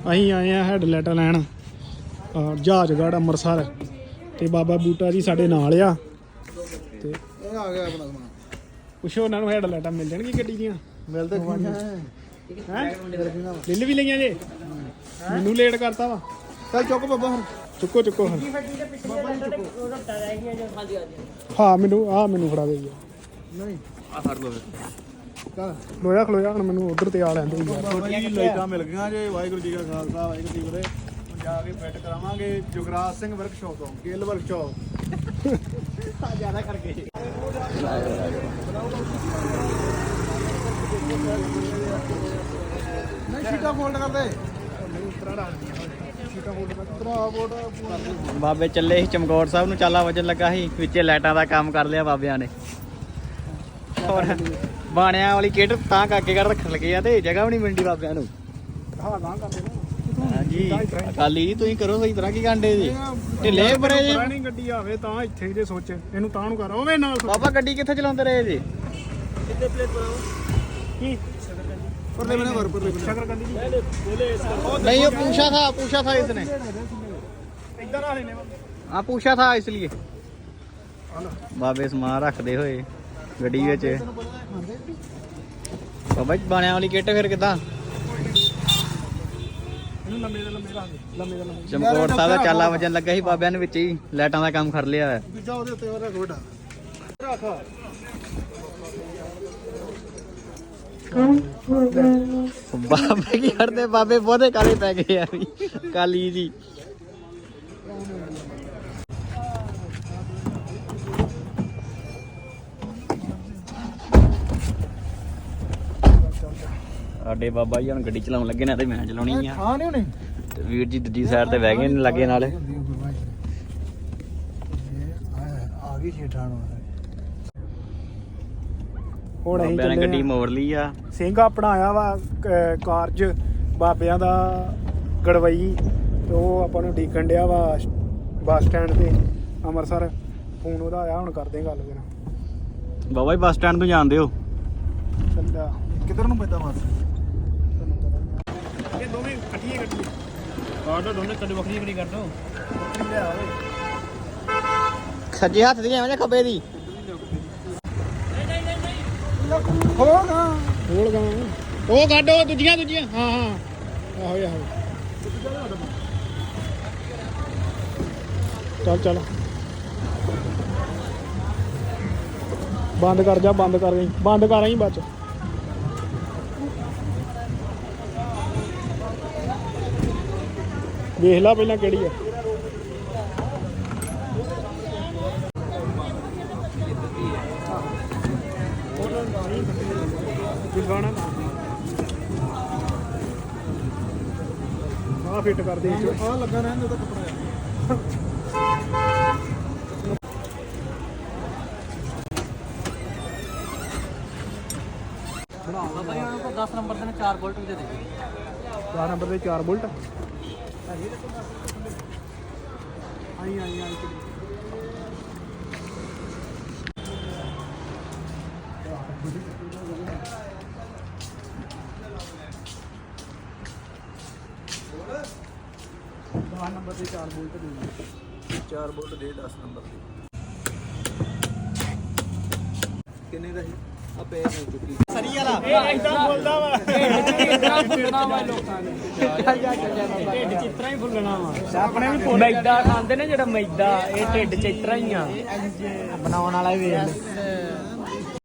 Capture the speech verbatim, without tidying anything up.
ਅਸੀਂ ਆਏ ਆ ਹੈਡਲਾਈਟਾਂ ਲੈਣ ਜਹਾਜ਼ਗੜ੍ਹ ਅੰਮ੍ਰਿਤਸਰ ਤੇ ਬਾਬਾ ਬੂਟਾ ਜੀ ਸਾਡੇ ਨਾਲ ਆ ਤੇ ਇਹ ਆ ਗਿਆ ਆਪਣਾ ਸਮਾਨ। ਪੁੱਛੋ ਉਹਨਾਂ ਨੂੰ ਹੈਡਲਾਈਟਾਂ ਮਿਲ ਜਾਣਗੀਆਂ ਗੱਡੀ ਦੀਆਂ। ਮਿਲਦੇ ਕੀ ਹੈ ਬਿੱਲ ਵੀ ਲਈਆਂ ਜੇ ਮੈਨੂੰ ਲੇਟ ਕਰਤਾ ਵਾ। ਚੱਲ ਚੁੱਕ ਬਾਬਾ ਹੁਣ ਚੁੱਕੋ ਚੁੱਕੋ ਹਾਂ ਹਾਂ ਮੈਨੂੰ ਆਹ ਮੈਨੂੰ ਫੜਾ ਦੇ ਨਹੀਂ ਆ ਫੜ ਲਓ ਚੱਲ ਖਲੋਇਆ ਖਲੋਇਆ ਹੁਣ ਮੈਨੂੰ ਉਧਰ ਤੇ ਆ ਲੈਂਦੇ ਯਾਰ। ਬਾਬਾ ਜੀ ਲਾਈਟਾਂ ਮਿਲ ਗਈਆਂ ਜੇ। ਵਾਹਿਗੁਰੂ ਜੀ ਕਾ ਖਾਲਸਾ ਵਾਹਿਗੁਰੂ ਜੀ ਕੀ ਫਤਿਹ। ਹੁਣ ਜਾ ਕੇ ਫਿੱਟ ਕਰਾਵਾਂਗੇ ਜੁਗਰਾਜ ਸਿੰਘ ਵਰਕਸ਼ਾਪ ਤੋਂ ਗਿੱਲ ਵਰਕਸ਼ਾਪ ਜ਼ਿਆਦਾ ਕਰਕੇ ਨਹੀਂ ਸੀਟਾਂ ਫੋਲਡ ਕਰਦੇ ਬਾਬੇ ਚੱਲੇ ਸੀ ਚਮਕੌਰ ਸਾਹਿਬ ਨੂੰ, ਚਾਲਾ ਵਜਣ ਲੱਗਾ ਸੀ ਵਿੱਚੇ ਲਾਈਟਾਂ ਦਾ ਕੰਮ ਕਰ ਲਿਆ ਬਾਬਿਆਂ ਨੇ। ਹੋਰ ਬਾਣਿਆਂ ਵਾਲੀ ਕਿੱਟ ਤਾਂ ਕਾਕੇ ਘਰ ਰੱਖਣ ਲੱਗੇ ਆ ਤੇ ਜਗ੍ਹਾ ਵੀ ਨਹੀਂ ਮਿਲਦੀ ਬਾਬਿਆਂ ਨੂੰ। ਹਾਂ ਗਾਂ ਕਰਦੇ ਨਾ ਹਾਂਜੀ ਅਕਾਲੀ ਤੁਸੀਂ ਕਰੋ ਸਹੀ ਤਰ੍ਹਾਂ ਕੀ ਕਾਂਡੇ ਜੀ ਢਿੱਲੇ ਬੜੇ ਜੇ। ਨਹੀਂ ਗੱਡੀ ਆਵੇ ਤਾਂ ਇੱਥੇ ਜੇ ਸੋਚ ਇਹਨੂੰ ਤਾਂ ਨੂੰ ਕਰ ਓਵੇਂ ਨਾਲ ਬਾਬਾ ਗੱਡੀ ਕਿੱਥੇ ਚਲਾਉਂਦੇ ਰਹੇ ਜੀ? ਕਿੱਥੇ ਪਲੇਟ ਬਣਾਓ ਕੀ ਪਰਲੇ ਬਨੇ ਵਰ ਪਰਲੇ ਬਨੇ ਸ਼ਕਰਕੰਦੀ ਜੀ नहीं वो पूछा था पूछा था इसने ਇੱਧਰ ਆ ਲੈਨੇ हाँ पूछा था इसलिए बाबे समान रखते हुए गड्डी विच बाबा बाणियां वाली किट फिर किदां ਇਹਨੂੰ ਲੰਮੇ ਦੇ ਲੰਮੇ ਲਾ ਦੇ ਲੰਮੇ ਦੇ ਲੰਮੇ चमकौर साहब दा चाला वजन लगा सी बाबियां ने विच ही लाइटां दा काम कर लिया है। ਦੂਜਾ ਉਹਦੇ ਉੱਤੇ ਉਹਦਾ ਗੋਡਾ ਰੱਖ बाबे की करते बाबे बहुते काले पै गए यार काली जी। ਸਾਡੇ ਬਾਬਾ ਜੀ ਹੁਣ ਗੱਡੀ ਚਲਾਉਣ ਲੱਗੇ ਨੇ ਤੇ ਮੈਂ ਚਲਾਉਣੀ ਆ। ਹਾਂ ਨਹੀਂ ਹੋਣੀ ਤੇ ਵੀਰ ਜੀ ਦੂਜੀ ਸਾਈਡ ਤੇ ਬਹਿ ਗਏ ਨੇ ਲੱਗੇ ਨਾਲ। ਆ ਗਈ ਛੇਠਾਂ ਨੂੰ ਹੁਣ ਅਸੀਂ ਬਾਬਿਆਂ ਨੇ ਚੱਲੇ ਗੱਡੀ ਆ। ਮੋੜ ਲਈ ਆ। ਸਿੰਘ ਆਪਣਾ ਆਇਆ ਵਾ ਕ- ਕਾਰਜ ਬਾਬਿਆਂ ਦਾ ਗੜਵਈ ਤੇ ਉਹ ਆਪਾਂ ਨੂੰ ਡੀਕਣ ਡਿਆ ਵਾ ਬੱਸ ਸਟੈਂਡ ਤੇ ਅੰਮ੍ਰਿਤਸਰ। ਫੋਨ ਉਹਦਾ ਆਇਆ ਹੁਣ ਕਰਦੇ ਗੱਲ ਉਹਦੇ ਨਾਲ। ਬਾਬਾ ਜੀ ਬੱਸ ਸਟੈਂਡ ਤੋਂ ਜਾਂਦੇ ਹੋ? ਚੱਲਿਆ ਕਿੱਧਰ ਨੂੰ ਪੈਂਦਾ ਬਸ ਇਹ ਦੋਵੇਂ ਇਕੱਠੀਆਂ ਗੱਡੀਆਂ ਆਰਡਰ ਦੋਨੇ ਕੱਢ ਵੱਖਰੀ ਵੱਖਰੀ ਕਰ ਦੋ। ਲਿਆ ਓਏ ਸੱਜੇ ਹੱਥ ਦੀ ਐਵੇਂ ਖੱਬੇ ਦੀ ਹੋਗਾ ਖੋਲ ਗਾ ਉਹ ਕੱਢੋ ਦੂਜੀਆਂ ਦੂਜੀਆਂ ਹਾਂ ਹਾਂ ਆਹੋ ਆਹੋ ਚੱਲ ਚੱਲ ਬੰਦ ਕਰ ਜਾ ਬੰਦ ਕਰ ਗਈ ਬੰਦ ਕਰ ਆਈ ਬੱਚ ਵੇਖ ਲਾ ਪਹਿਲਾਂ ਕਿਹੜੀ ਆ ਗਾਣਾ ਆ ਫਿੱਟ ਕਰ ਦੇ ਆ ਲੱਗਾ ਰਹਿੰਦਾ ਉਹਦਾ ਕੱਪੜਾ ਬਾਬਾ ਜੀ ਉਹਨਾਂ ਕੋਲ ਦਸ ਨੰਬਰ ਦੇ ਨੇ ਚਾਰ ਬੋਲਟ ਦੇ ਦੇ। ਚਾਰ ਨੰਬਰ ਦੇ ਚਾਰ ਬੁਲਟ ਆਈ ਆਈ ਆਈ ਦਸ ਨੰਬਰ ਦੇ ਚਾਰ ਬੁਲਟ ਦੇ ਚਾਰ ਬੋਲਟ ਦੇ ਦਸ ਨੰਬਰ ਦੇ ਕਿੰਨੇ ਦਾ ਸੀ ਆ ਪੈ ਨਹੀਂ ਚੁੱਕੀ ਸਰੀ ਵਾਲਾ ਇਹ ਇਦਾਂ ਬੋਲਦਾ ਵਾ ਇਤਰਾ ਫੁੱਲਣਾ ਵਾ ਲੋਕਾਂ ਨੇ। ਢਿੱਡ ਚਿੱਤਰਾ ਹੀ ਫੁੱਲਣਾ ਵਾ ਆਪਣੇ ਵੀ ਮੈਦਾ ਖਾਂਦੇ ਨੇ ਜਿਹੜਾ ਮੈਦਾ ਇਹ ਢਿੱਡ ਚ ਇਤਰਾ ਹੀ ਆ ਬਣਾਉਣ ਵਾਲਾ ਹੀ ਵੇਖ ਲੈ